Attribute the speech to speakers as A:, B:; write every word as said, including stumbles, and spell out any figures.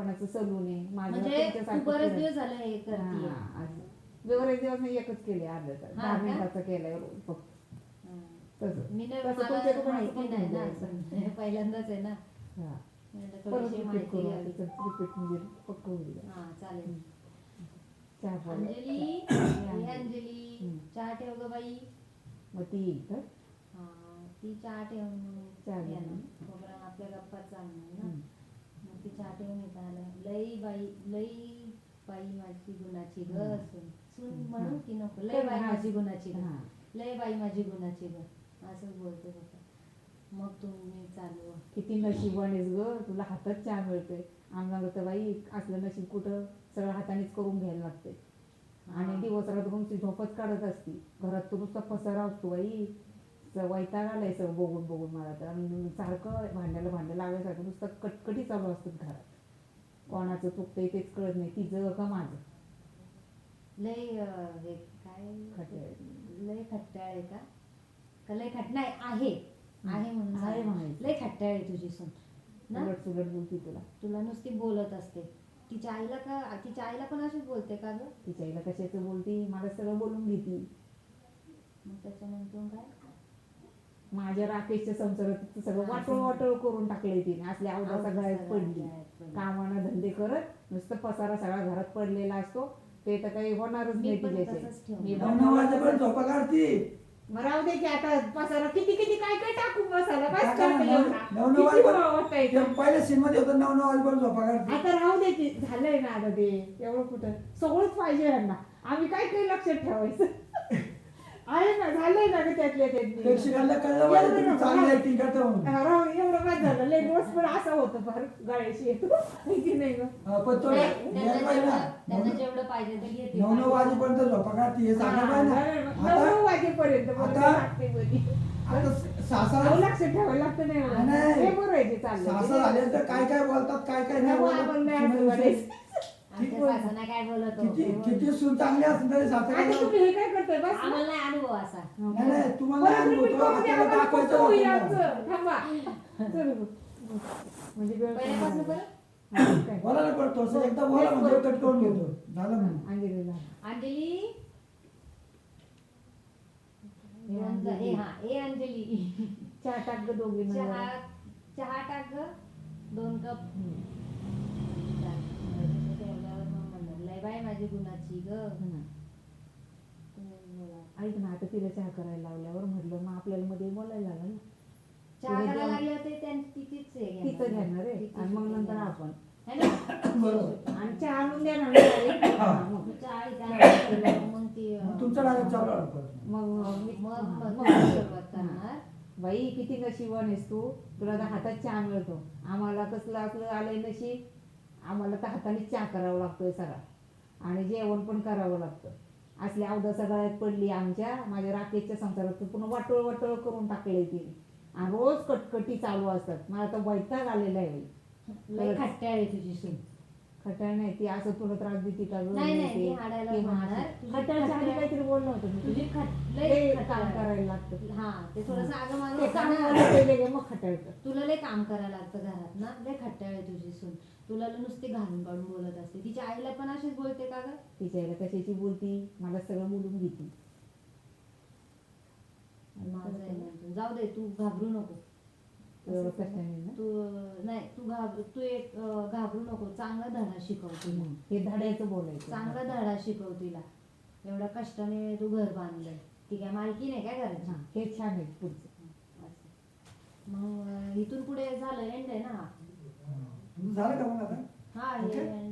A: कोणाचं सलून आहे माझं
B: म्हणजे तू
A: तुमच्यासारखं
B: बरेच
A: फिरत-
B: दिवस झाले हे करते
A: हा, असं. बरेच दिवस मी एकच केले अर्धा तास
B: हा
A: दहा
B: का?
A: मिनिटाचं केलंय रोज फक्त तसं
B: मी नाही,
A: तसं
B: मला
A: तुमच्या दुकानाचं
B: माहिती
A: पण
B: नाही ना
A: घ्यायचं.
B: असं. पहिल्यांदाच आहे ना,
A: हा
B: म्हणलं
A: परत
B: थोडीशी
A: रिपीट
B: माहिती
A: करू
B: घ्यावी.
A: त्याचं रिपीट म्हणजे पक्क होईल
B: हा चालेल.
A: चहा पाहिजे.
B: अंजली
A: अंजली.
B: हे अंजली
A: हम्म.
B: चहा ठेव ग बाई.
A: मग ती येईल तर
B: हा ती चहा ठेवून
A: चहा
B: ये ना.
A: घेऊन.
B: तोपर्यंत आपल्या गप्पा चालणार ना.
A: हम्म.
B: मग ती चहा ठेवून येत आलं लई बाई लई बाई माझी गुणाची ग
A: हम्म.
B: सून सून
A: हम्म.
B: म्हणून की नको लई
A: तर
B: बाई
A: हा.
B: माझी गुणाची ग
A: हा.
B: लई बाई माझी गुणाची ग असंच बोलते होतं. मग तुम्ही चालू
A: किती नशिबानेच ग तुला हातात चहा मिळतोय आम्हाला तर बाई असलं नशीब कुठं सगळं हातानेच करून घ्यायला लागते आणि दिवस रात्र नुसती झोपच काढत असती घरात तर नुसता पसारा असतो बाई वैताग आलाय सगळं बघून बघून मला तर आणि सारखं भांड्याला भांडं लावायसारखं नुसतं कटकटी चालू असतात घरात कोणाचं चुकतंय तेच कळत नाही तिचं का माझं
B: लय अं, हे काय
A: खट्याळ.
B: लय खट्टाळ आहे का का लय खट नाही आहे आहे म्हणून
A: आहे
B: सांग.
A: म्हणायचं.
B: लय खट्टाळ आहे तुझी सून ना.
A: उलट सुलट बोलती तुला
B: तुला नुसती बोलत असते. तिच्या आईला का तिच्या आईला पण अशीच बोलते का ग.
A: तिच्या आईला कशाचं बोलती मला सगळं बोलून घेती
B: मग त्याच्यानंतर काय
A: माझ्या राकेशच्या संसारात सगळं
B: हा,
A: वाटोळ वाटोळ करून टाकले तिने असल्या अवधा
B: अवघड
A: सगळ्यात
B: सगळ्यात
A: पडली
B: पडली.
A: कामाना धंदे करत नुसतं पसारा सगळा घरात पडलेला असतो ते तर काही होणारच
B: मी
A: नाही
B: पण
A: तिच्याशी
B: तसंच ठेवणार.
A: मी
C: नऊ नऊ वाजेपर्यंत झोपा काढती
A: मग राहू दे की आता पसारा किती किती काय काय टाकून बसायला बस
C: टाका ना,
A: करते
C: नऊ-
A: एवढा.
C: नऊ नऊ
A: किती
C: वाजेपर्यंत-
A: वावरता येतं.
C: ते पहिल्या सीन मध्ये होतं नऊ नऊ वाजेपर्यंत झोपा काढती
A: आता राहू दे की झालंय ना आता ते एवढं कुठं सगळंच पाहिजे यांना आम्ही काय काही लक्षात ठेवायचं आहे ना झालंय ना ग त्यातल्या त्यातली
C: प्रेक्षकांना कळलं पाहिजे तुम्ही चांगली ऍक्टिंग करता म्हणून
A: हा, राहू दे, एवढं काय झालं लय दिवस पण असं होतं फार गाळ्याशी येतो की नाही ग
C: हा, पण तो
B: नाही,
C: यायला
B: त्यांना
C: पाहिजे ना
B: जेवढं- त्यांना
C: नऊ-
B: जेवढं पाहिजे ते घेते.
C: नऊ नऊ वाजेपर्यंत झोपा काढती हे सांगा
A: हा,
C: पाहिजे
A: झालं
C: ना
A: मग. नऊ
C: आता
A: वाजेपर्यंत मला
C: आता-
A: लागते मध्ये.
C: आता
A: अहो,
C: सासरा
A: लक्ष ठेवायला लागतं नाही मला.
C: नाही.
A: हे बरं आहे ते चाललंय.
C: सासरा झाल्यानंतर काय काय बोलतात काय काय नाही
A: नको आपण नाही असं
C: बोलत
A: बोलायचं.
B: आमच्या सासऱ्यांना काय बोलत
C: किती
B: होतो.
C: किती सून चांगली असेल तरी
A: आता
C: सासरा
A: तुम्ही हे काय करताय बस ना.
B: आम्हाला नाही अनुभव असा.
C: नाही नाही तुम्हाला
A: परत
C: अनुभव
A: repeat
C: तो
A: करून द्या,
C: आपल्याला
A: आम्हाला
C: दाखवायचं
A: कसं होईल
C: होतं ना.
A: आमचं? थांबा. चल बघ. म्हणजे वेळ पण
B: पहिल्यापासून
A: झाला.
B: परत
A: हा, काय?
C: बोला ना पण थोडंसं एकदा बोला म्हणजे कट करून घेतो झालं म्हणून
A: अंजलीला.
B: अंजली
A: हे
B: ए
A: अंजली.
B: हा ए अंजली
A: चहा टाक ग दोघींना
B: चहा
A: जरा.
B: चहा टाक ग दोन कप.
A: हम्म.
B: ठेवल्यावर मग म्हणलं लय बाय माझी गुणाची ग.
A: हम्म.
B: तुम्ही बोला.
A: ऐक ना आता तिला चहा करायला लावल्यावर म्हटलं मग आपल्याला मध्ये बोलायला लागलं ना
B: चहा
A: तिने
B: करायला
A: दोन-
B: लागले होते त्यां- तिचीच हे
A: तिचं
B: घेणार.
A: घेणार आहे
B: तिचीच
A: आणि मग
B: हे
A: नंतर
B: घेणार.
A: आपण
B: है ना?
C: बरोबर.
A: आणि चहा आणून द्या ना direct.
C: हा.
A: हा, मग
B: मग चहा आहे त्या मग ती
C: मग तुमचं डायरेक्ट चालू आहे परत.
A: मग मी-
B: मग
A: हा,
B: मग
A: मग
B: सुरुवात करणार.
A: बाई किती नशिबान आहेस तू तुला तर हातात चहा मिळतो आम्हाला कसलं आपलं आलंय नशीब आम्हाला तर हाताने चहा करावा लागतोय सगळा आणि जेवण पण करावं लागतं असली अवधा सगळ्यात पडली आमच्या माझ्या राकेशच्या संसारात पुन्हा वाटोळ वाटोळ करून टाकलंय तिने आणि रोज कटकटी चालू असतात मला तर वैताग आलेला आहे बाई.
B: लय खट्ट्याळ आहे तुझी सून.
A: खटाळ नाही ती असं तुला त्रास देते का गं?
B: नाही, नाही,
A: ते-
B: ती हाडायला
A: ते
B: म्हणणार.
A: म्हणणार.
B: तुझी
A: खटाळच्या आधी
B: खटाळ-
A: काहीतरी बोलणं होतं मी
B: तुझी
A: तुझी
B: खट
A: लय
B: लय
A: काम
B: खट्ट्याळ.
A: करायला लागतं
B: हा ते थोडंसं आगं मागं
A: ते
B: होतं
A: काम
B: ना.
A: करायला पहिले गे मग खटाळतं
B: तुला लय काम करायला लागतं घरात ना लय खट्ट्याळ आहे तुझी सून. तुला लय नुसती घालून काढून बोलत असते. तिच्या आईला पण अशीच बोलते का ग.
A: तिच्या आईला कशाची बोलती मला सगळं बोलून घेते
B: माझं आहे ना. जाऊ दे तू घाबरू नको.
A: एवढं कष्टाने ना
B: तू नाही तू घाबर तू एक अं, घाबरू नको. चांगला धडा शिकव तिला.
A: हम्म. हे धड्याचं बोलायचं
B: चांगला धडा शिकव तिला. एवढ्या कष्टाने तू घर बांधलंय. ती काय मालकी नाही काय घराची.
A: हा, हे छान आहे पुढचं
B: मग अं, इथून पुढे झालं एंड आहे ना हा.
C: तुमचं झालं का मग आता
B: हा हे
C: Okay.
B: end